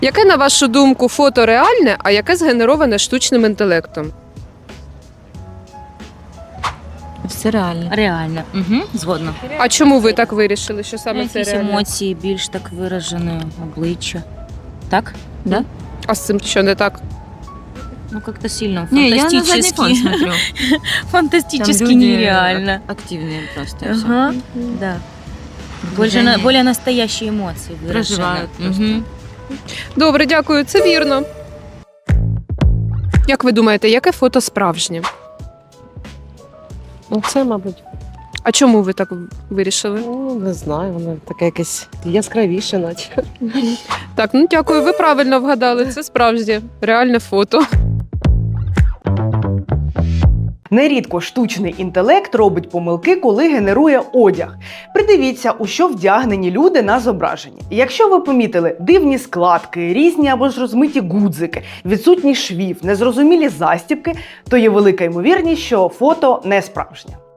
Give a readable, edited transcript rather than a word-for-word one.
Яке, на вашу думку, фото реальне, а яке згенероване штучним інтелектом? Все реально. Реально. Угу, згодна. А чому ви так вирішили, що саме це Якісь реальне? емоції більш так виражені, обличчя. Так? Да? А з цим що не так? Ну, как-то сильно Не, я на задний фон фантастически. смотрю. Фантастически Там люди нереально. активные просто. и всё. Ага, да. Движение. Более настоящие эмоции выражены. Проживают просто. Мгм. Добре, дякую, це вірно. Як ви думаєте, яке фото справжнє? Ну, це, мабуть, А чому ви так вирішили? ну, не знаю, воно таке якесь яскравіше, наче. Так, ну дякую, ви правильно вгадали. Це справжнє, реальне фото. Нерідко штучний інтелект робить помилки, коли генерує одяг. Придивіться, у що вдягнені люди на зображенні. Якщо ви помітили дивні складки, різні або ж розмиті гудзики, відсутній швів, незрозумілі застібки, то є велика ймовірність, що фото не справжнє.